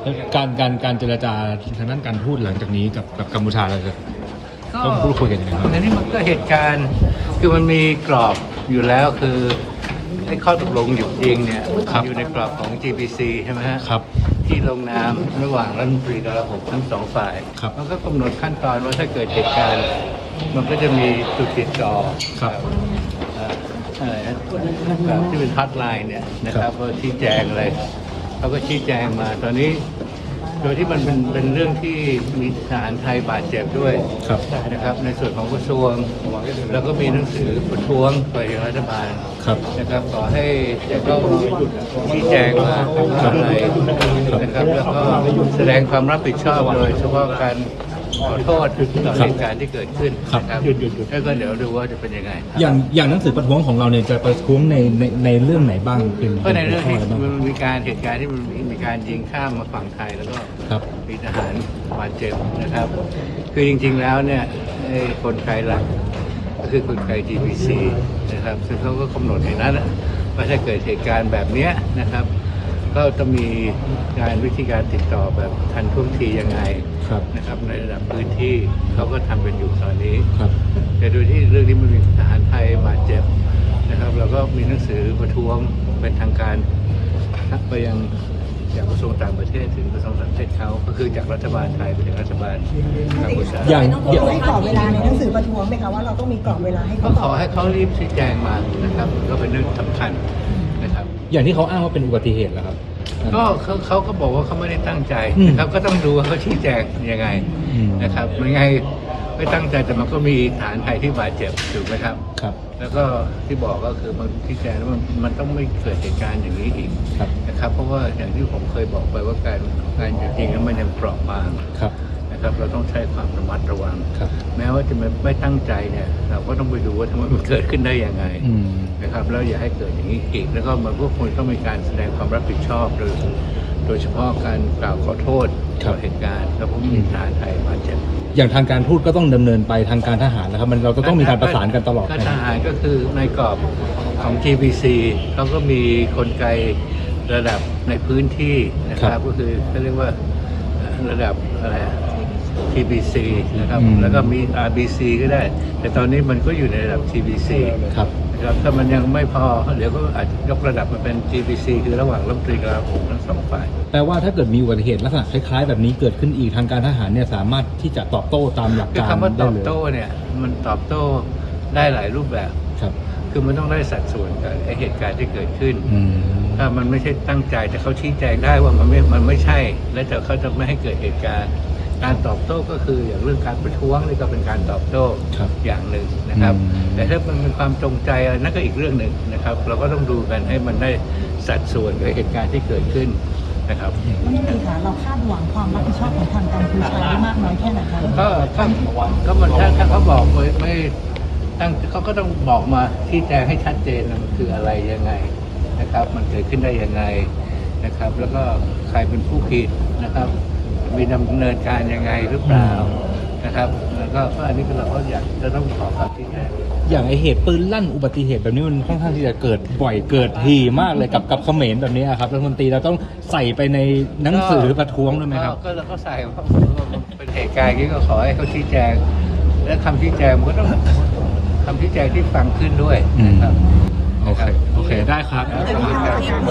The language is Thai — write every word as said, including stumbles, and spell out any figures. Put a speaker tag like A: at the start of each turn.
A: การการการเจรจาทางด้านการทูตหลังจากนี้กับกับกัมพูชาเราจะต้องพูดคุยกันยังไงครับ
B: อันนี้มันก็เหตุการณ์คือมันมีกรอบอยู่แล้วคือไอ้ข้อตกลงหยุดยิงเนี่ยอยู่ในกรอบของ จี พี ซี ใช่ไหมฮะ
A: ครับ
B: ที่ลงนามระหว่างรัฐมนตรีกลาโหมทั้งสองฝ่ายมันก็กำหนดขั้นตอนว่าถ้าเกิดเหตุการณ์มันก็จะมีจุดติดต่อ
A: ครับ
B: อะไรนะที่เป็นฮอตไลน์เนี่ยนะครับก็ชี้แจงอะไรเขาก็ชี้แจงมาตอนนี้โดยที่มันเป็นเป็นเรื่องที่มีทหารไทยบาดเจ็บด้วยนะครับในส่วนของกระทรวงแล้วก็มีหนังสือประท้วงไปยังรัฐบาลนะครับขอให้จะต้องชี้แจงว่าอะไรนะครับแล้วก็แสดงความรับผิดชอบโดยเฉพาะการขอโทษต่อเหตุการณ์ที่เกิดขึ้นนะครับแล้วก็เดี๋ยวดูว่าจะเป็นยังไง
A: อย่างอย่างหนังสือประท้วงของเราเนี่ยจะประท้วงในในในเรื่องไหนบ้างเป็น
B: ก็ในเรื่องที่มันมีการเหตุการณ์ที่มันมีการยิงข้ามมาฝั่งไทยแล้วก็มีทหารบาดเจ็บนะครับคือจริงๆแล้วเนี่ยคนไทยหลักก็คือคนไทย จี พี ซี นะครับซึ่งเขาก็กำหนดในนั้นว่าถ้าเกิดเหตุการณ์แบบนี้นะครับก็จะมีการวิธีการติดต่อแบบทันท่วงทียังไงนะครับในระดับพื้นที่เขาก็ทำกันอยู่ตอนนี้แต่โดยที่เรื่องนี้มันมีทหารไทยบาดเจ็บนะครับเราก็มีหนังสือประท้วงเป็นทางการไปยังจากกระทรวงต่างประเทศถึงกระทรวงต่างประเทศเขาก็คือจากรัฐบาลไทยไปถึงรัฐบาลกัมพูชา
C: อย่างต้องให้กรอบเวลาในหนังสือประท้วงไหมคะว่าเราต้องมีกรอบเวลาให้เขา
B: ขอให้เขารีบชี้แจงมานะครับก็เป็นเรื่องสำคัญนะครับ
A: อย่างที่เขาอ้างว่าเป็นอุบัติเหตุแล้วครับ
B: ก็เขาเขาก็บอกว่าเขาไม่ได้ตั้งใจนะครับก็ต้องดูว่าเขาชี้แจงยังไงนะครับไม่ไงไม่ตั้งใจแต่มันก็มีฐานไทยที่บาดเจ็บถูกไหมครับ
A: ครับ
B: แล้วก็ที่บอกก็คือมันชี้แจงว่ามันต้องไม่เกิดเหตุการณ์อย่างนี้อีกนะครับเพราะว่าอย่างที่ผมเคยบอกไปว่าการการหยุดยิงนั้นมันยังเปราะบางนะครับเราต้องใช้ความระมัดระวังแม้ว่าจะไม่ไม่ตั้งใจเนี่ยเราก็ต้องไปดูว่าทำไมมันเกิดขึ้นได้ยังไงนะครับแล้วอย่าให้เกิดอย่างนี้อีกแล้วก็มันก็ควรต้องมีการแสดงความรับผิดชอบโดยโดยเฉพาะการกล่าวขอโทษต่อเหตุการณ์แล้วผมมีทหารไทยบาดเจ็บ
A: อย่างทางการทูตก็ต้องดำเนินไปทางการทหารนะครับมันเราจะต้องมีการประสานกันตลอด
B: ทหารก็คือในกรอบของ จี พี ซี เขาก็มีกลไกระดับในพื้นที่นะครับก็คือเขาเรียกว่าระดับอะไร ที บี ซี นะครับแล้วก็มี อาร์ บี ซี ก็ได้แต่ตอนนี้มันก็อยู่ในระดับ ที บี ซี
A: ครับ
B: นะครับถ้ามันยังไม่พอเดี๋ยวก็อาจจะยกระดับมาเป็น จี พี ซี คือระหว่างรัฐมนตรีกลาโหมทั้งสองฝ่าย
A: แปลว่าถ้าเกิดมีอุบัติเหตุลักษณะคล้ายๆแบบนี้เกิดขึ้นอีกทางการทหารเนี่ยสามารถที่จะตอบโต้ตามหลักการ
B: ได้เลยคำว่าตอบโต้เนี่ยมันตอบโต้ได้หลายรูปแบบ
A: ครับ
B: คือมันต้องได้สัดส่วนกับไอเหตุการณ์ที่เกิดขึ้นถ้ามันไม่ใช่ตั้งใจแต่เขาชี้แจงได้ว่ามันไม่มันไม่ใช่และแต่เขาจะไม่ให้เกิดเหตุการณ์การตอบโต้ก็คืออย่างเรื่องการประท้วงนี่ก็เป็นการตอบโต้อย่างหนึ่งนะครับแต่ถ้ามันเป็นความจงใจอะไรนั่นก็อีกเรื่องหนึ่งนะครับเราก็ต้องดูกันให้มันได้สัดส่วนกับเหตุการณ์ที่เกิดขึ้นนะครับ
C: นี่คือค่ะเราคาดหวังความรับผิดชอบของทางกัมพูชาได้มากน้อยแค่ไหนคะ
B: ก็ก็มันถ้าถ้าเขาบอกไม่ไม่ตั้งเขาก็ต้องบอกมาที่แจงให้ชัดเจนมันคืออะไรยังไงนะครับมันเกิดขึ้นได้ยังไงนะครับแล้วก็ใครเป็นผู้ผิดนะครับมีดำเนินการยังไงหรือเปล่านะครับแล้วก็อันนี้เราก็อยากจะต้องขอความชี้แจง
A: อย่างไอเหตุปืนลั่นอุบัติเหตุแบบนี้มันค่อนข้างที่จะเกิดบ่อยเกิดทีมากเลยกับกับเขมรแบบนี้ครับรัฐมนตรีเราต้องใส่ไปในหนังสือประท้วงด้วยไหมครับ
B: ก็เราก็ใส่ว่าเป็นเหตุการณ์นี้ก็ขอให้เขาชี้แจงและคำชี้แจงมันก็ต้องคำชี้แจงที่ฟังขึ้นด้วยนะครับ
A: โอเคโอเคได้ครับ